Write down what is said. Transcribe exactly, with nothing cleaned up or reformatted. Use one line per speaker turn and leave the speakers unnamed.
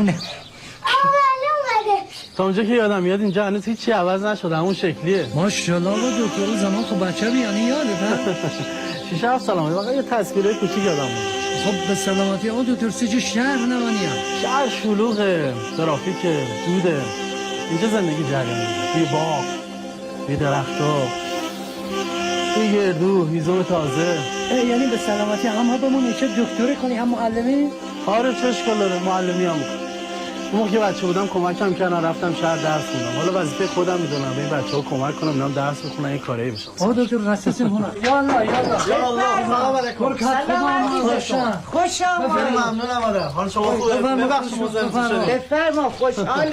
معلومه.
تا اونجا که یادم میاد اینجا هنوز هیچی عوض نشده همون شکلیه.
ماشاءالله آقا دکتر زمان خب بچه بیانی یاده نه؟
شیشه هفت سلامتی واقعا یه تصویره کوچیک یادم میاد.
خب به سلامتی آقا دکتر سه شهر نمانی هم
شهر شلوغه، ترافیکه، دوده. اینجا زندگی جریان میده. توی باغ، توی درخت‌ها، توی گردو، هیزم تازه.
یعنی به سلامتی هم ها بمونی چه دکتری کنی هم معلمی؟
آره چه اشکال داره معلمی هم میکنم. اون موقع که بچه بودم کمکم کردن رفتم شهر درس خوندم. حالا وظیفه خودم میدونم به این بچه‌ها کمک کنم اینا درس بخونن این کاری میشه.
آقا دکتر رسیسیم هنا. یا الله یا الله.
یا الله سلام علیکم.
برکت خدا خوشم.
خوشم.
ممنونم آره. حال شما خوبه. ببخشید مزاحمتون شدم.
بفرما خوشحال